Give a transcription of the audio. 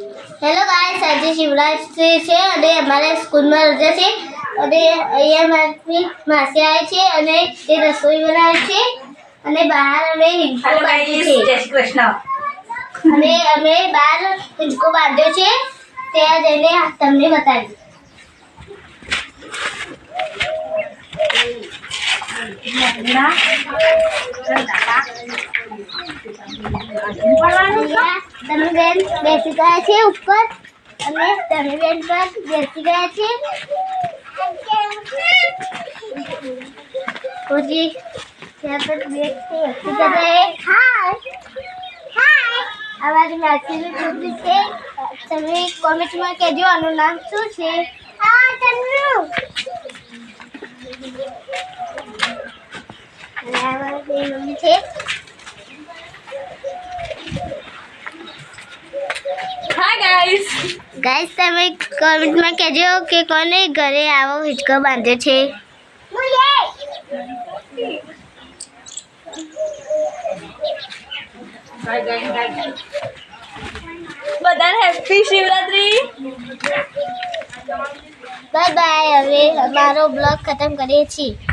Hello guys, આજે શિવરાત્રી છે અને અમારે સ્કૂલમાં રજા છે અને અહીંયા મારી માસી આવે છે અને તે રસોઈ બનાવે છે અને બહાર અમે હિંચકો બાંધ્યો છે. જય શ્રી કૃષ્ણ. અને અમે બહાર હિંચકો બાંધ્યો છે, ત્યાં જઈને તમને બતાવીશ. તમે બેન બેસી ગયા છે ઉપર અને તમે બેન પર બેસી ગયા છે. પછી ત્યાં પર બેસી कर रहे हैं. हाय हाय, हमारी मासीની છોકરી છે. તમે કોમેન્ટમાં કહેજો આનું નામ શું છે. હા તન્નુ. અને અમારી બે મમ્મી છે. Hi guys. ગાઈસ, તમે કોમેન્ટમાં કહેજો કે કોને ઘરે આવો હિંચકો બાંધ્યો છે. બધાને હેપી શિવરાત્રી. Bye bye. હવે અમારો બ્લોગ ખતમ કરીએ છીએ.